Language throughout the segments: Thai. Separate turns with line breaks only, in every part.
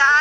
ได้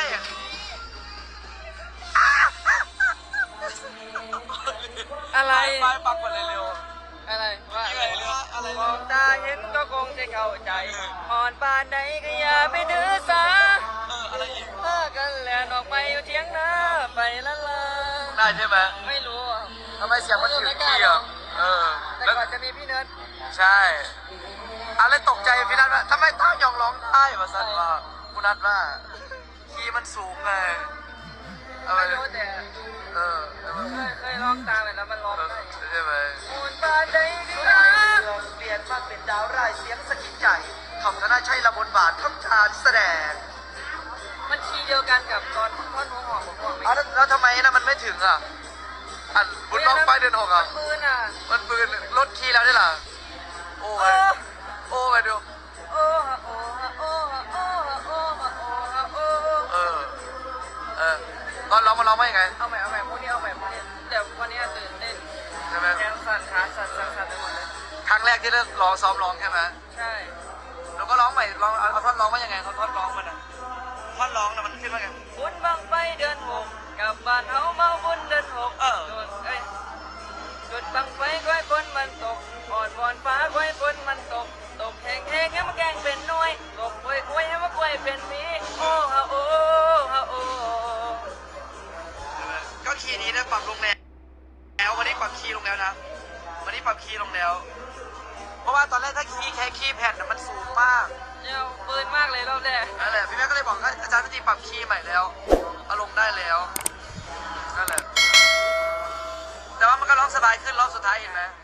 อะไร
ไปปักก่อนเลยเร็ว
อะไรว่า
อะไร
มองตาเห็นก็คงจะเข้าใจอ่อนปานใดก็อย่าไปดื้อสา
อะไรอีก
พากันแหลนออกไปอยู่เทียงนาไปละลา
ได้ใช่ไหม
ไม่รู้
ทำไมเสียงมันถึงที่อ่ะ
แต่ก่อนจะมีพี่เนิร์ด
ใช่อะไรตกใจพี่นัทว่าทำไมต้ายองร้องได้มาสั่นว่าคุณนัทว่าคีย์มันสูงไง
ไม่รู้แต่เคยร้องตามแล้วมันร้องได้
ใช่ไหม
มูนบานใดก็อย่า
เปลี่ยนมาเป็นดาวร้ายเสียงสะกิดใจทำธนาชัยละบนบาททำชาแสดง
มันคีย์เดียวกันกับตอนท่อนหัวหอมผมบอกไม่
แล้วทำไมนะมันไม่ถึงอ่ะบุญบ้องไฟเดือน6อ่ะ
มันปืนอ่ะ
มันปืนลดคีย์แล้วได้หรอโอ้ยโอ้ยดู
โอ้ฮะโอ้ฮะโอ้ฮะโอ้ฮะโอ้ฮะโอ้ฮะโอ้
ตอนร้องมาร้องว่ายังไง
เอาใหม่พวกนี้เอาใหม่แต่วันนี้ตื่นเต้น
ใช่ไหม
แขนสั่นขาสั่นไปหมดเลย
ครั้งแรกที่ได้ร้องซ้อมร้องใช่ไหม
ใช่
แล้วก็ร้องใหม่ร้องเอาท่อนร้องว่ายังไงท่อนร้องมันอ่ะท่อนร้องน่ะมันขึ้นว่าไง
บุญบังไฟเดือน6กับบ้านเฮาเมาบุญเดือน6จุดบังไฟก้อยฝนมันตกอ่อนวอนฟ้าก้อยฝนมันตกแห้งให้มาแกงเป็นน้อยตกกล้วยให้มากล้วยเป็นมีโอ้ฮะโอ้ฮะโอ้
ก็คีย์นี้ได้ปรับลงแล้ววันนี้ปรับคีย์ลงแล้วนะวันนี้ปรับคีย์ลงแล้วเพราะว่าตอนแรกถ้าแค่คีย์แผ่นมันสูงมาก
เนี่ยปืนมากเลยรอบแรก
นั่นแหละพี่แม่ก็เลยบอกว่าอาจารย์พิธีปรับคีย์ใหม่แล้วเอาลงได้แล้วนั่นแหละแต่ว่ามันก็ร้องสบายขึ้นรอบสุดท้ายเห็นไหม